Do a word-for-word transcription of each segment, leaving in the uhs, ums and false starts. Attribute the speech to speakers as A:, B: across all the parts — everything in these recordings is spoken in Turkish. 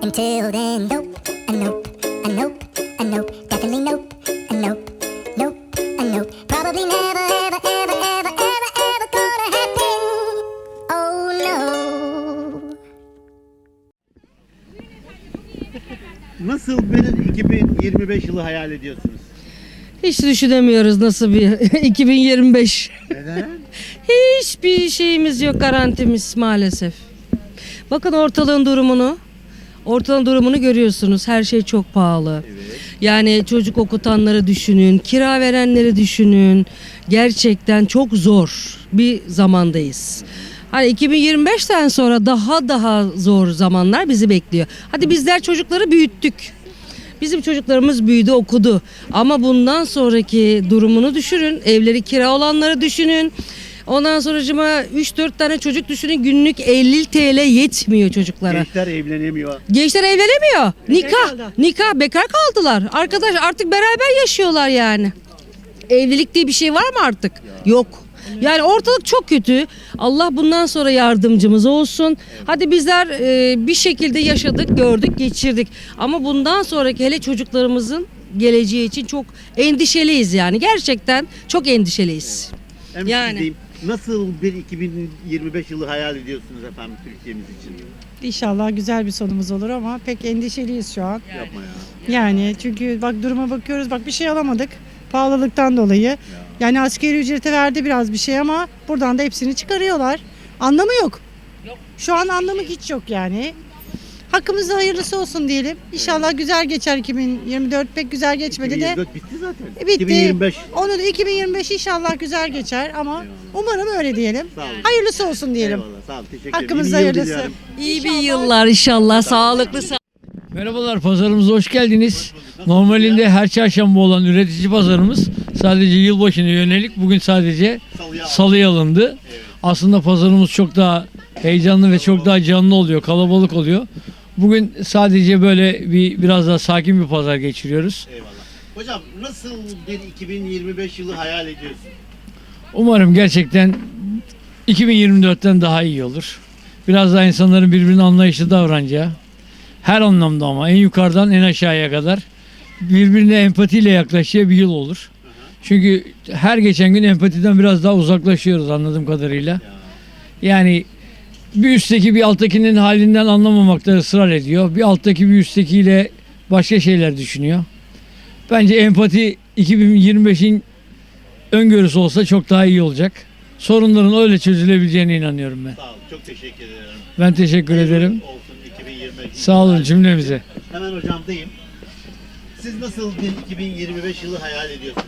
A: Until then, nope, a nope, a nope, a nope, definitely nope, a nope, nope, a nope. Probably never, ever, ever, ever, ever, ever gonna happen. Oh no.
B: Nasıl bir iki bin yirmi beş yılı hayal ediyorsunuz?
C: Hiç düşünemiyoruz nasıl bir iki bin yirmi beş.
B: Neden?
C: Hiçbir şeyimiz yok, garantimiz maalesef. Bakın ortalığın durumunu. Ortalığın durumunu görüyorsunuz. Her şey çok pahalı.
B: Evet.
C: Yani çocuk okutanları düşünün, kira verenleri düşünün. Gerçekten çok zor bir zamandayız. Hani iki bin yirmi beşten sonra daha daha zor zamanlar bizi bekliyor. Hadi bizler çocukları büyüttük. Bizim çocuklarımız büyüdü, okudu. Ama bundan sonraki durumunu düşünün. Evleri kira olanları düşünün. Ondan sonracıma üç dört tane çocuk düşünün. Günlük elli TL yetmiyor çocuklara.
B: Gençler evlenemiyor.
C: Gençler evlenemiyor. Nikah,
B: kaldı.
C: nikah bekar kaldılar. Arkadaş artık beraber yaşıyorlar yani. Evlilik diye bir şey var mı artık? Yok. Yani ortalık çok kötü. Allah bundan sonra yardımcımız olsun. Hadi bizler e, bir şekilde yaşadık, gördük, geçirdik. Ama bundan sonraki hele çocuklarımızın geleceği için çok endişeliyiz yani. Gerçekten çok endişeliyiz.
B: Hem
C: Yani.
B: siz diyeyim, nasıl bir iki bin yirmi beş yılı hayal ediyorsunuz efendim Türkiye'miz için?
D: İnşallah güzel bir sonumuz olur ama pek endişeliyiz şu an.
B: Yapma ya.
D: Yani çünkü bak duruma bakıyoruz, bak bir şey alamadık pahalılıktan dolayı. Yani asgari ücrete verdi biraz bir şey ama buradan da hepsini çıkarıyorlar. Anlamı yok. Şu an anlamı hiç yok yani. Hakkımızda hayırlısı olsun diyelim. İnşallah güzel geçer iki bin yirmi dört, pek güzel geçmedi
B: iki bin yirmi
D: de.
B: dört bitti zaten.
D: E, bitti.
B: iki bin yirmi beş.
D: Onu da iki bin yirmi beş inşallah güzel geçer ama umarım öyle diyelim.
B: Sağ olun.
D: Hayırlısı olsun diyelim.
B: Eyvallah, sağ olun. Teşekkür ederim.
D: Hakkımızda
B: Yeni yıl
D: hayırlısı.
B: diliyorum.
C: İyi bir yıllar inşallah. Sağlıklı, sağlıklı.
E: Merhabalar, pazarımıza hoş geldiniz. Normalinde her çarşamba olan üretici pazarımız sadece yılbaşına yönelik bugün sadece
B: Salıya-
E: salıya alındı. Aslında pazarımız çok daha heyecanlı ve çok daha canlı oluyor, kalabalık oluyor. Bugün sadece böyle bir biraz daha sakin bir pazar geçiriyoruz.
B: Eyvallah. Hocam nasıl bir iki bin yirmi beş yılı hayal ediyorsun?
E: Umarım gerçekten iki bin yirmi dörtten daha iyi olur. Biraz daha insanların birbirine anlayışlı davranacağı, her anlamda ama en yukarıdan en aşağıya kadar birbirine empatiyle yaklaşacağı bir yıl olur. Çünkü her geçen gün empatiden biraz daha uzaklaşıyoruz anladığım kadarıyla. Yani bir üstteki bir alttakinin halinden anlamamakta ısrar ediyor. Bir alttaki bir üsttekiyle başka şeyler düşünüyor. Bence empati iki bin yirmi beşin öngörüsü olsa çok daha iyi olacak. Sorunların öyle çözülebileceğine inanıyorum ben.
B: Sağ olun. Çok teşekkür ederim.
E: Ben teşekkür ederim.
B: Olsun iki bin yirmi beş.
E: Sağ olun cümlemize.
B: Hemen hocamdayım. Siz nasıl bir iki bin yirmi beş yılı hayal ediyorsunuz?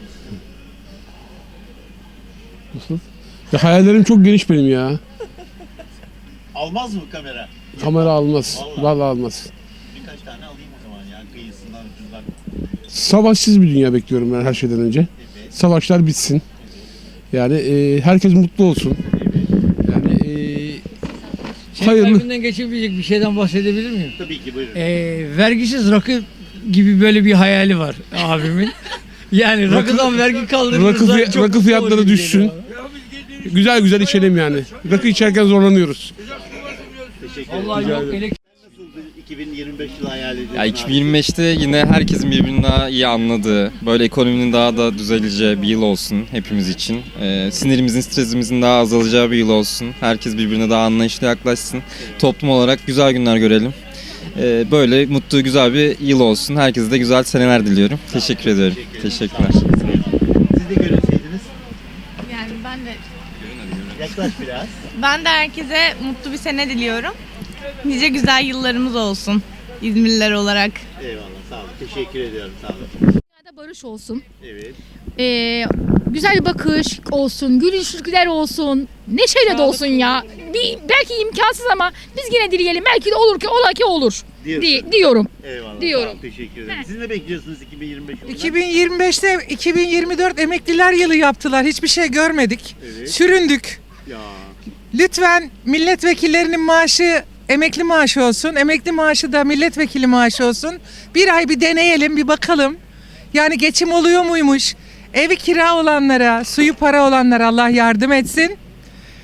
F: Nasıl? Ya hayallerim çok geniş benim ya.
B: Almaz mı kamera?
F: Kamera almaz.
B: Vallahi.
F: Vallahi almaz.
B: Birkaç tane alayım o zaman yani kıyısından ucundan.
F: Savaşsız bir dünya bekliyorum ben her şeyden önce. Savaşlar bitsin. Yani e, herkes mutlu olsun. Yani e,
E: Senin
F: hayırlı.
E: kalbinden geçebilecek bir şeyden bahsedebilir miyim?
B: Tabii ki buyurun.
E: Ee, vergisiz rakı gibi böyle bir hayali var abimin. Yani rakıdan vergi kaldırırsa
F: Rakı, fiy-
E: çok
F: rakı
E: mutlu
F: fiyatları
E: olur gibi
F: düşsün.
E: geliyor.
F: Güzel güzel içelim yani. Rakı içerken zorlanıyoruz.
B: Teşekkür ederim.
E: Vallahi yok,
B: Nasıl
E: elektrik
B: bir iki bin yirmi beş yılı hayal ediyorsun?
G: Ya
B: abi?
G: iki bin yirmi beşte yine herkesin birbirini daha iyi anladığı, böyle ekonominin daha da düzeleceği bir yıl olsun hepimiz için. Ee, sinirimizin, stresimizin daha azalacağı bir yıl olsun. Herkes birbirine daha anlayışlı yaklaşsın. Toplum olarak güzel günler görelim. Ee, böyle mutlu, güzel bir yıl olsun. Herkese de güzel seneler diliyorum. Teşekkür ediyorum. Teşekkürler.
B: Siz de görünseydiniz.
H: Yani ben de
B: Yaklaş biraz.
H: ben de herkese mutlu bir sene diliyorum. Nice güzel yıllarımız olsun İzmirliler olarak.
B: Eyvallah sağ olun. Teşekkür ediyorum sağ olun.
I: Dünyada barış olsun.
B: Evet.
I: Ee, güzel bir bakış olsun, gülüşlükler olsun, neşeyle de olsun ya. Bir, belki imkansız ama biz yine dileyelim. Belki de olur ki ola ki olur.
B: Diyorsun.
I: Di- diyorum.
B: Eyvallah.
I: Diyorum.
B: Sağ olun, teşekkür ederim. Siz ne bekliyorsunuz iki bin yirmi beş yılında?
J: iki bin yirmi beşte iki bin yirmi dört emekliler yılı yaptılar. Hiçbir şey görmedik.
B: Evet.
J: Süründük.
B: Ya.
J: Lütfen milletvekillerinin maaşı emekli maaşı olsun. Emekli maaşı da milletvekili maaşı olsun. Bir ay bir deneyelim, bir bakalım. Yani geçim oluyor muymuş? Evi kira olanlara, suyu para olanlara Allah yardım etsin.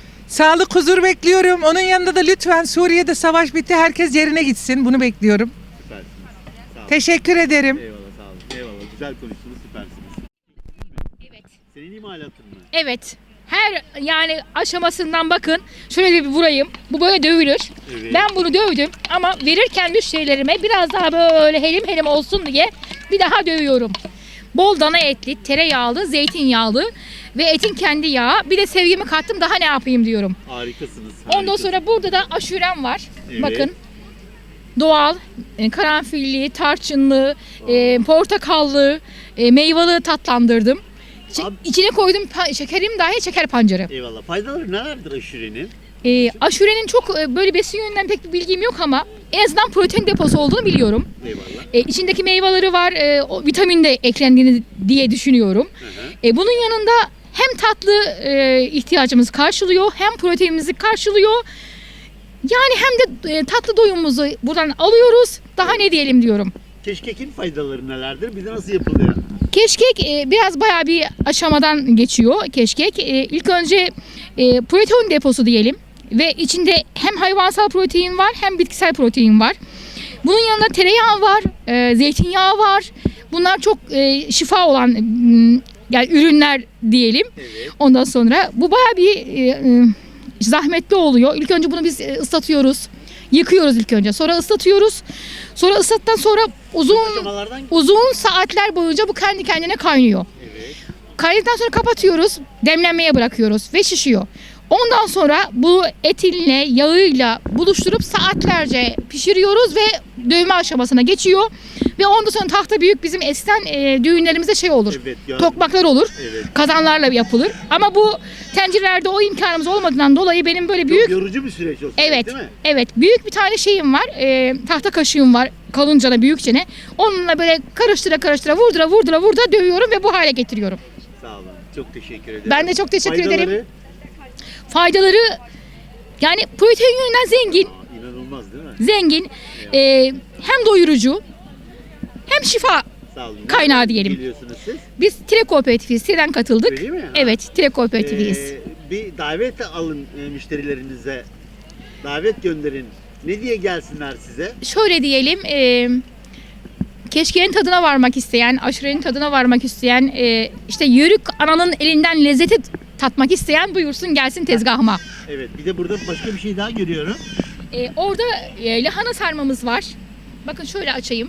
J: Sağlık, huzur bekliyorum. Onun yanında da lütfen Suriye'de savaş bitti. Herkes yerine gitsin. Bunu bekliyorum. Teşekkür ederim.
B: Eyvallah sağ olun. Eyvallah. Güzel konuştunuz. Süpersiniz.
I: Evet.
B: Senin imalatın mı?
I: Evet. Her yani aşamasından bakın. Şöyle bir vurayım. Bu böyle dövülür.
B: Evet.
I: Ben bunu dövdüm ama verirken müşterilerime biraz daha böyle helim helim olsun diye bir daha dövüyorum. Bol dana etli, tereyağlı, zeytinyağlı ve etin kendi yağı. Bir de sevgimi kattım, daha ne yapayım diyorum.
B: Harikasınız.
I: Ondan
B: harikasınız.
I: sonra burada da aşurem var.
B: Evet.
I: Bakın. Doğal, e, karanfilli, tarçınlı, e, portakallı, e, meyveli tatlandırdım. Ç-
B: Abi-
I: İçine koydum pa- şekerim dahi şeker pancarı.
B: Eyvallah. Faydaları nelerdir aşurenin?
I: E, aşurenin çok e, böyle besin yönünden pek bir bilgim yok ama en azından protein deposu olduğunu biliyorum.
B: Eyvallah.
I: E, içindeki meyveleri var, e, o vitamin de eklendiğini diye düşünüyorum.
B: Hı hı.
I: E, bunun yanında hem tatlı e, ihtiyacımızı karşılıyor, hem proteinimizi karşılıyor. Yani hem de e, tatlı doyumumuzu buradan alıyoruz. Daha ne diyelim diyorum.
B: Keşkekin faydaları nelerdir? Bir de nasıl yapılıyor?
I: Keşkek e, biraz bayağı bir aşamadan geçiyor keşkek. E, ilk önce e, protein deposu diyelim ve içinde hem hayvansal protein var hem bitkisel protein var. Bunun yanında tereyağı var, e, zeytinyağı var. Bunlar çok e, şifa olan m, yani ürünler diyelim.
B: Evet.
I: Ondan sonra bu bayağı bir e, e, zahmetli oluyor. İlk önce bunu biz e, ıslatıyoruz. Yıkıyoruz ilk önce. Sonra ıslatıyoruz. Sonra ıslattıktan sonra uzun
B: Aşamalardan
I: uzun saatler boyunca bu kendi kendine kaynıyor.
B: evet.
I: Kaynadıktan sonra kapatıyoruz. Demlenmeye bırakıyoruz ve şişiyor. Ondan sonra bu etinle, yağıyla buluşturup saatlerce pişiriyoruz ve dövme aşamasına geçiyor. Ve ondan sonra tahta büyük bizim eskiden e, düğünlerimizde şey olur.
B: Evet, ya-
I: Tokmaklar olur.
B: Evet.
I: Kazanlarla yapılır. Ama bu tencerelerde o imkanımız olmadığından dolayı benim böyle
B: Çok
I: büyük
B: yorucu bir süreç o süreç,
I: Evet,
B: değil mi?
I: evet. Büyük bir tane şeyim var. E, tahta kaşığım var. Kalıncana, büyükçene. Onunla böyle karıştıra karıştıra, vurdura vurdura vurdura dövüyorum ve bu hale getiriyorum.
B: Sağ olun. Çok teşekkür ederim.
I: Ben de çok teşekkür
B: Faydaları?
I: ederim. Faydaları yani protein yönünden zengin.
B: Aa, İnanılmaz değil mi?
I: Zengin. E, hem doyurucu hem şifa.
B: Sağ olun.
I: Kaynağı
B: Nereden
I: diyelim.
B: Geliyorsunuz siz.
I: Biz Tire Kooperatifiyiz. Tire'den katıldık.
B: Öyle mi? Ha.
I: Evet, Tire Kooperatifiyiz.
B: Ee, bir davet alın e, müşterilerinize. Davet gönderin. Ne diye gelsinler size?
I: Şöyle diyelim, e, keşkeğin tadına varmak isteyen, aşurenin tadına varmak isteyen, e, işte yörük ananın elinden lezzeti tatmak isteyen buyursun gelsin tezgahıma.
B: Evet. Bir de burada başka bir şey daha görüyorum.
I: E, orada e, lahana sarmamız var. Bakın şöyle açayım.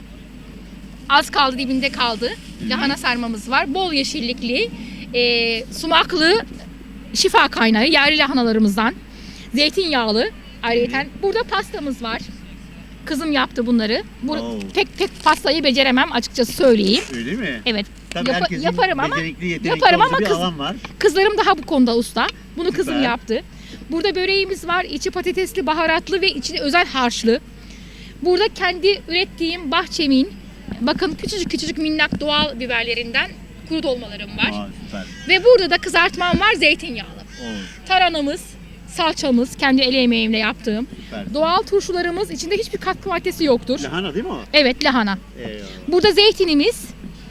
I: Az kaldı, dibinde kaldı. Lahana sarmamız var. Bol yeşillikli, e, sumaklı şifa kaynağı yerli lahanalarımızdan. Zeytinyağlı. Ayrıca burada pastamız var. Kızım yaptı bunları. Bu,
B: Oo.
I: pek pek pastayı beceremem açıkçası söyleyeyim.
B: Öyle mi?
I: Evet.
B: Tabii
I: Yapa-
B: herkesin
I: yaparım ama
B: becerikli, yetenekli
I: yaparım
B: olduğu
I: ama
B: bir
I: kız-
B: alan var.
I: Kızlarım daha bu konuda usta. Bunu kızım
B: Süper.
I: yaptı. Burada böreğimiz var. İçi patatesli, baharatlı ve içi özel harçlı. Burada kendi ürettiğim bahçemin, bakın küçücük küçücük minnak doğal biberlerinden kuru dolmalarım var.
B: Aa, süper.
I: Ve burada da kızartmam var, zeytinyağlı.
B: Oo,
I: Taranamız, salçamız, kendi el emeğimle yaptığım.
B: süper.
I: Doğal turşularımız, içinde hiçbir katkı maddesi yoktur.
B: Lahana değil mi o?
I: Evet, lahana.
B: Eyvallah.
I: Burada zeytinimiz,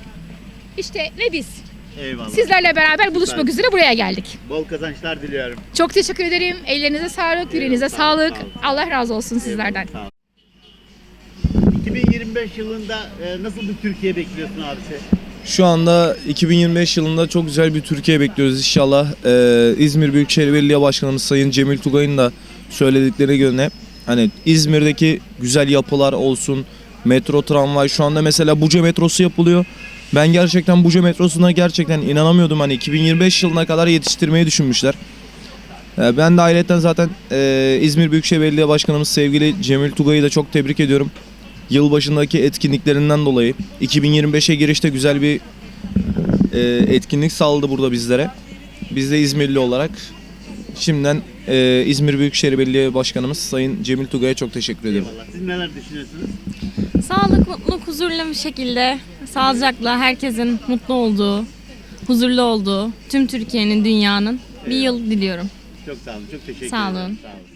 I: işte ve biz.
B: Eyvallah.
I: Sizlerle beraber buluşmak
B: Süper.
I: üzere buraya geldik.
B: Bol kazançlar diliyorum.
I: Çok teşekkür ederim. Ellerinize sağlık, yüreğinize
B: Eyvallah, sağ olun,
I: sağlık.
B: sağ olun.
I: Allah razı olsun sizlerden.
B: Eyvallah, sağ ol. iki bin yirmi beş yılında e, nasıl bir Türkiye bekliyorsun abisi?
K: Şu anda iki bin yirmi beş yılında çok güzel bir Türkiye bekliyoruz inşallah. Ee, İzmir Büyükşehir Belediye Başkanımız Sayın Cemil Tugay'ın da söyledikleri göre hani İzmir'deki güzel yapılar olsun, metro, tramvay, şu anda mesela Buca metrosu yapılıyor. Ben gerçekten Buca metrosuna gerçekten inanamıyordum, hani iki bin yirmi beş yılına kadar yetiştirmeyi düşünmüşler. Ee, ben de ayrıca zaten e, İzmir Büyükşehir Belediye Başkanımız sevgili Cemil Tugay'ı da çok tebrik ediyorum. Yılbaşındaki etkinliklerinden dolayı iki bin yirmi beşe girişte güzel bir e, etkinlik sağladı burada bizlere. Biz de İzmirli olarak şimdiden e, İzmir Büyükşehir Belediye Başkanımız Sayın Cemil Tugay'a çok teşekkür ederim.
B: Eyvallah. Siz neler düşünüyorsunuz?
L: Sağlık, mutluluk, huzurlu bir şekilde, sağlıcakla herkesin mutlu olduğu, huzurlu olduğu, tüm Türkiye'nin, dünyanın bir yıl diliyorum.
B: Çok sağ olun. Çok teşekkür
L: Sağ
B: ederim.
L: olun.
B: Sağ olun.